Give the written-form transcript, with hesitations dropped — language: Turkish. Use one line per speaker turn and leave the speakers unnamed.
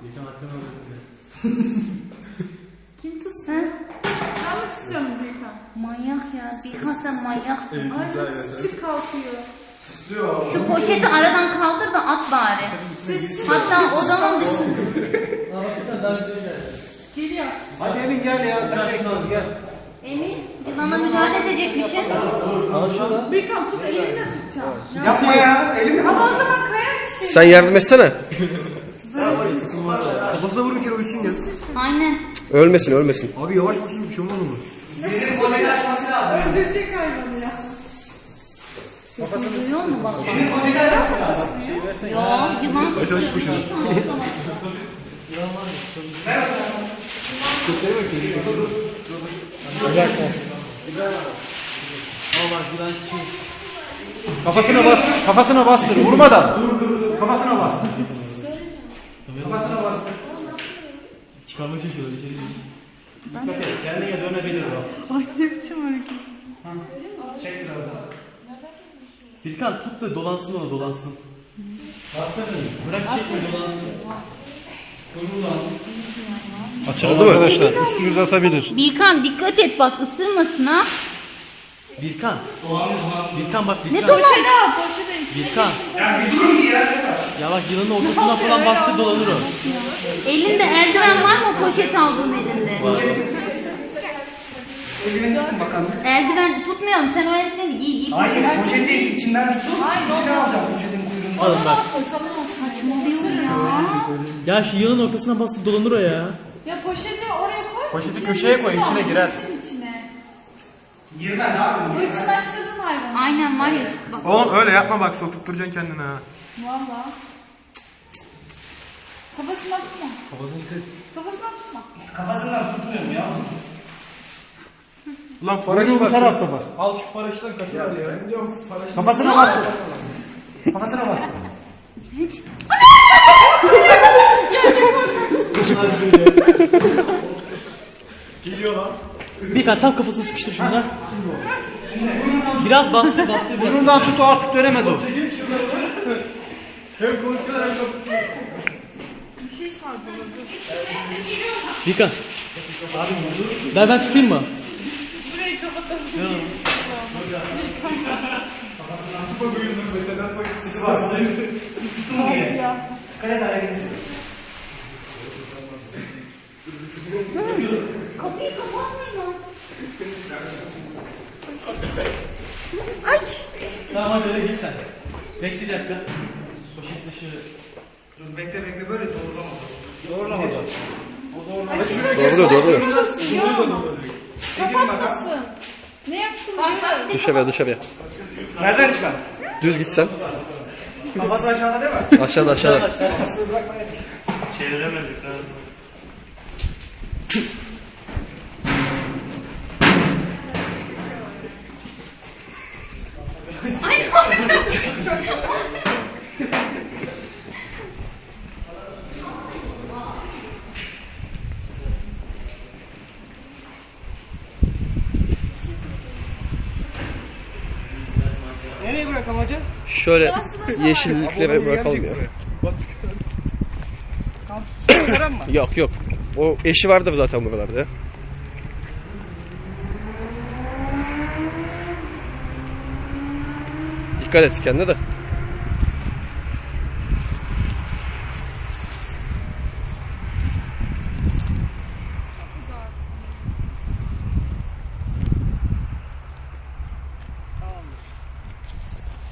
Birkan hakkını alıyor bize.
Kim tutsun? Ben mi tutuyorum Birkan? Manyak ya. Birkan sen manyaksın.
Evet,
Ay
güzel
nasıl çık kalkıyor.
Süslüyor.
Şu poşeti aradan kaldır da at bari. Hatta odanın dışında. Geliyor.
Hadi Emin gel ya. Sen bekliyoruz gel.
Emin, yılana müdahale edecekmişsin.
Al şunu.
Birkan tut, elinle tutacağım.
Yapma ya. Elimi
Ama o zaman kayar bir şey.
Sen yardım etsene.
kafasına vur bir kere uyusun ya.
Aynen.
Ölmesin ölmesin.
Abi yavaş vursun bir şey olmaz mı?
Benim poşeti açması lazım.
Öldürecek hayvanı ya. Duyuyor musun bak?
Benim poşeti açması lazım.
Yo, yılan tutuyor.
Kafasına bastır. Kafasına bastır. Vurmadan. Kafasına bastır. Kafasına bastır.
Çıkarma çekiyor. Bir şey değil.
Dikkat et. Kendine dönebilir o.
Ay ne biçim hareket.
Çek biraz daha.
Birkan tut da dolansın ona dolansın.
Bastır.
Bırak çekme dolansın.
Açıldı mı arkadaşlar? Üstünüze atabilir.
Birkan dikkat et bak ısırmasın ha.
Birkan. Birkan bak
Ne
Birkan.
dolan?
Birkan. Ya bak yılanın ortasından falan bastır dolanır o.
Elinde eldiven var mı o poşet aldığın elinde? Eldiven tutmayalım sen o eldiveni giy.
Hayır, poşeti içinden tutup içine alacağım poşetin kuyruğunu.
Alın bak.
Saçmalıyor ya.
Ya şu yılanın ortasından bastır dolanır o ya.
Ya poşeti oraya koy.
Poşeti köşeye koy, içine girer.
Girmez abi.
Hırçınlaştırdın hayvanı. Aynen var ya bak.
Oğlum öyle yapma bak sokutturacaksın kendine ha.
Valla. Kafasından tutma. Kafasından tutma.
Kafasından tutmuyorum ya.
Ulan paraşüt bu tarafta bak.
Al şu paraşütten kaçır ya.
Kafasına bastır. Kafasına bastır.
Hiç.
Geliyor lan.
Birkan tam kafasını sıkıştır şunda. Biraz bastır bastır.
Burnundan tut o artık dönemez o.
Birkan. Ben tutayım mı?
Kapıyı kapatmayın.
Tamam hadi öyle git sen. Bekle bir dakika. Poşetle şöyle.
Dur bekle böyle doğrulamaz.
Doğrulamaz o.
Doğru.
Kapatmasın. Ne yapsın?
Dışarıya dışarıya.
Nereden çıkar?
Düz gitsen.
Kafası aşağıda değil mi?
Aşağıda aşağıda.
Çeviremedik.
Ay ne olacak?
Nereye bırakalım hacı?
Şöyle yeşilliklere bırakalım ya. Yok yok. O eşi vardır zaten buralarda ya. Dikkat et kendine de.